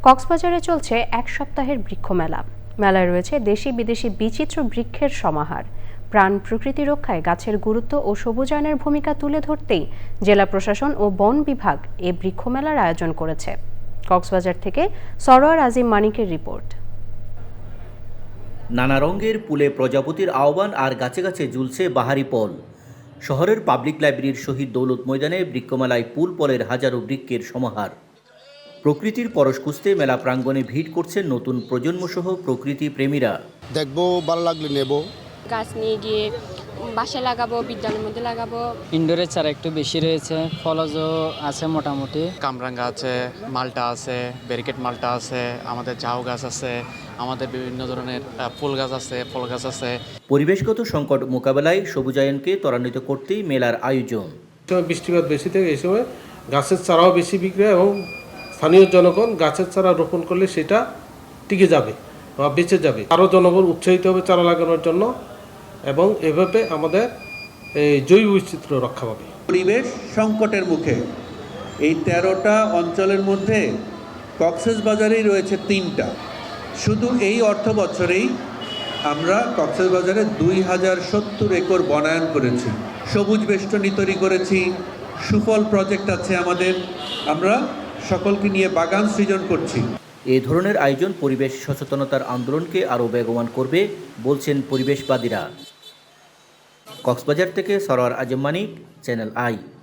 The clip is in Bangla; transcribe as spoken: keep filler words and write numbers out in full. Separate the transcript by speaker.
Speaker 1: কক্সবাজারে চলছে এক সপ্তাহের বৃক্ষ মেলা। মেলায় রয়েছে দেশি বিদেশি বিচিত্র বৃক্ষের সমাহার। প্রাণ প্রকৃতি রক্ষায় গাছের গুরুত্ব ও সবুজায়নের ভূমিকা তুলে ধরতেই জেলা প্রশাসন ও বন বিভাগ এ বৃক্ষ মেলার আয়োজন করেছে। কক্সবাজার থেকে সরোয়ার আজিম মানিকের রিপোর্ট।
Speaker 2: নানা রঙের ফুলে প্রজাপতির আহ্বান আর গাছে গাছে ঝুলছে বাহারি ফল। শহরের পাবলিক লাইব্রেরির শহীদ দৌলত ময়দানে বৃক্ষমেলায় ফুল ফলের হাজারো বৃক্ষের সমাহার। প্রকৃতির পরশ খুঁজতে মেলা প্রাঙ্গণে ভিড় করছেন নতুন প্রজন্মসহ প্রকৃতি প্রেমীরা।
Speaker 3: দেখবো, ভালো লাগলে নেব।
Speaker 4: গাছ নিয়ে গিয়ে বাসায় লাগাবো, বিদ্যালয়ের মধ্যে লাগাবো।
Speaker 5: ইনডোরের চারা একটু বেশি রয়েছে, ফলজও আছে মোটামুটি।
Speaker 6: কামরাঙ্গা আছে, মালটা আছে, ব্যারিকেড মালটা আছে, আমাদের ঝাউ গাছ আছে, আমাদের বিভিন্ন ধরনের ফুল গাছ আছে, ফল গাছ আছে।
Speaker 2: পরিবেশগত সংকট মোকাবেলায় সবুজায়নকে ত্বরান্বিত করতেই মেলার আয়োজন।
Speaker 7: বৃষ্টিপাত বেশি থেকে এই সময় গাছের চারাও বেশি বিক্রি হয় এবং স্থানীয় জনগণ গাছের চারা রোপণ করলে সেটা টিকে যাবে বা বেঁচে যাবে। আরও জনগণ উৎসাহিত হবে চারা লাগানোর জন্য এবং এভাবে আমাদের এই জৈব বৈচিত্র্য রক্ষা পাবে।
Speaker 8: পরিবেশ সংকটের মুখে এই তেরোটা অঞ্চলের মধ্যে কক্সবাজারেই রয়েছে তিনটা। শুধু এই অর্থ বছরেই আমরা কক্সবাজারে দুই হাজার সত্তর একর বনায়ন করেছি, সবুজ বেষ্টনী তৈরি করেছি, সুফল প্রজেক্ট আছে আমাদের। আমরা সকলকে নিয়ে বাগান সৃজন করছি।
Speaker 2: এই ধরনের আয়োজন পরিবেশ সচেতনতার আন্দোলনকে আরও বেগবান করবে বলছেন পরিবেশবাদীরা। কক্সবাজার থেকে সরোয়ার আজিম মানিক, চ্যানেল আই।